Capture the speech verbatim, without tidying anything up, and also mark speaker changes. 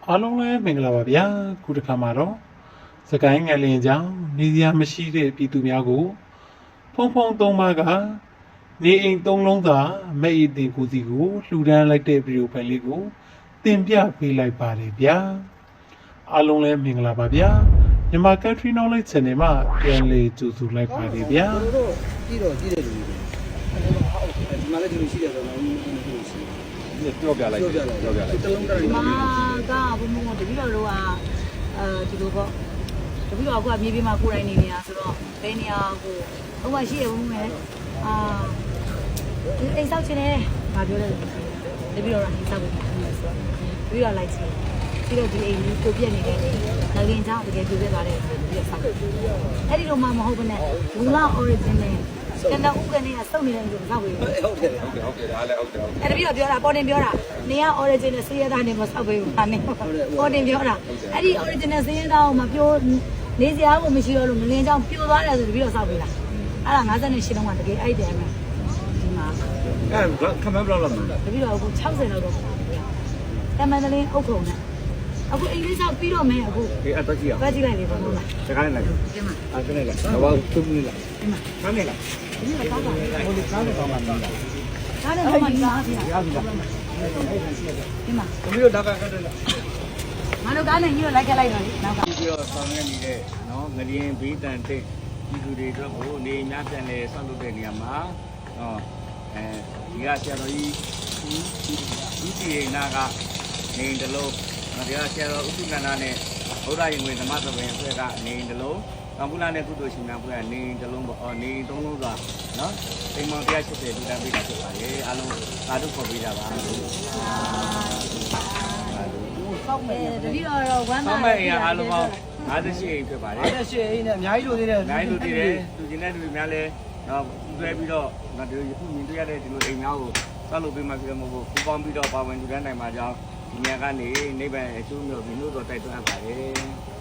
Speaker 1: အားလုံးလည်းမင်္ဂလာပါဗျာခုတစ်ခါမှာတော့စကိုင်းငလင်ကြောင့်နေစရာမရှိတဲ့ပြည်သူများကိုဖုံဖုံသုံးပါးကနေအိမ်သုံးလုံးသာမဲ့အတင်ကိုစီကိုလှူဒန်းလိုက်တဲ့ဗီဒီယိုဖိုင်လေးကိုတင်ပြပေးလိုက်ပါတယ်ဗျာအားလုံးလည်းမင်္ဂလာပါဗျာမြန်မာ Country Knowledge Channel မှာပြန်လည်ကြိုဆိုလိုက်ပါတယ်ဗျာ
Speaker 2: တို့ကြည့်တော့ကြည့်တယ်လူတွေဒီမှာလည်းဒီလိုရှိတယ်ဆိုတော့ဒီလိုရှိတယ်
Speaker 3: ပြောပြလိုက်ပြောပြလိုက်ပြောပြလိုက်
Speaker 2: တလုံးတိုင်း
Speaker 4: မာကဘုံဘုံတပည့်တော်တို့ကအဲဒီလိုပေါ့တပည့်တော်ကမြေပြင်မှာကိုယ်တိုင်နေနေတာဆိုတော့ဘယ်နေရာကိုဟိုမှာရှိရဘုံဘုံနဲ့အာအိမ်ဆောက်ချင်တယ်ဗာပြောတယ်တပည့်တော်ကအိမ်ဆောက်ဖို့ဆိုတော့တပည့်တော်လိုက်ချင်ပြီးတော့ဒီအိမ်ကြီးကိုပြက်နေတဲ့ငလင်ကြောင့်တကယ်ပြည့်ပြသွားတယ်ဆိုပြီးတော့ဆောက်အဲ့ဒီတော့မှမဟုတ်ဘဲနဲ့ဘူလာ origin နဲ့ကနဦးကနေကစုံနေတဲ့လူဆောက်ပြီး
Speaker 2: ဟုတ်တယ်ဟုတ်တယ်
Speaker 3: ဟုတ်တယ်ဟုတ်တယ်ဒါလည်းဟုတ်တယ်ဟုတ်တယ်
Speaker 4: အဲ့တပည့်တော်ပြောတာပေါ်တင်ပြောတာနေက original စေးရသားနေမဆောက်ပေးဘူးဟာနေပေါ်တင်ပြောတာအဲ့ဒီ original စေးရသားကိုမပြိုးနေစရာကိုမရှိတော့လို့ငလင်းချောင်းပြိုသွားတယ်ဆိုတပည့်တော်ဆောက်ပေးလားအဲ့ဒါ58လုံးကတကယ်အဲ့တယ်မယ်ဒီမှာ
Speaker 3: အဲခမန်းဘလောက်လောက်မလဲ
Speaker 4: တပည့်တော်အခု60လောက်တော့တမန်တလင်းအုပ်ခုံနဲ့အခုအင်္ဂလိပ်ဆောက်ပြီးတော့မယ်အခု
Speaker 3: ဒီအတက်ကြီးအောင်
Speaker 4: တွားကြည့်လိုက်လေဘာလို့လဲ
Speaker 3: တခါနဲ့လိုက်
Speaker 4: ဒီမှာ
Speaker 3: အားကနေလိုက်တော့သူ့မလေးလိုက်
Speaker 4: ဒီမှာ
Speaker 3: ခါနဲ့လိုက်
Speaker 4: ဒီမှာကောင်းပါလေ
Speaker 3: ဟိုဒီကားနဲ့ကောင်းပါလား
Speaker 4: ဒါနဲ့တော့မှဒီမှာဒီမှာ
Speaker 3: ရပြီလား
Speaker 4: ဒီမှာ
Speaker 3: သမီးတို့ဒါကကတ်တယ်လား
Speaker 4: ငါတို့ကားနဲ့ညို့လိုက်ခဲ့လိုက်တော့လေနောက်က
Speaker 3: ပြီးတော့ဆောင်ရနေတဲ့နော်ငရင်ဘေးတန်တိတ်ဒီလူတွေအတွက်ကိုနေများပြန်လဲဆောက်လုပ်တဲ့နေရာမှာဟောအဲဒီကဆရာတော်ကြီးဒီဒီရေနာကနေတလုံးဒီကဆရာတော်ဥပ္ပန္နာနဲ့ဘုရားရင်ဝင်ဓမ္မသဘင်အဖွဲ့ကနေတလုံးကံပူလာနဲ့ကုသိုလ်ရှင်များဖွဲ့ကနေတလုံးပေါ့နေသုံးလုံးကနော်တိမ်မောင်တရားရှိတဲ့လူတန်းပေးတာဖြစ်ပါလေအားလုံးသာဓုခေါ်ပေးကြပါ
Speaker 4: ဆောက်မယ်တတိယတော့ဝမ်း
Speaker 3: ဆော
Speaker 4: သာ
Speaker 3: င်းမဲ့အရာအားလုံးပေါင်း58အိမ်ဖြစ်ပါတယ်
Speaker 2: အဲ့ဒါရှေ့အိမ်နဲ့အများကြီးလိုသေးတယ်
Speaker 3: ။နိုင်လူတည်တယ်လူကျင်တဲ့လူများလဲတော့တွဲပြီးတော့ငါတို့ယခုမြင်တွေ့ရတဲ့ဒီလိုအိမ်များကိုဆောက်လုပ်ပေးမှဖြစ်မှာမဟုတ်ဘူးပူပေါင်းပြီးတော့ပါဝင်လူတန်းနိုင်မှာကြောင်းဒီနေရာကနေနိဗ္ဗာန်အကျိုးမျိုးဒီလိုတော့တိုက်တွန်းအပ်ပါတယ်။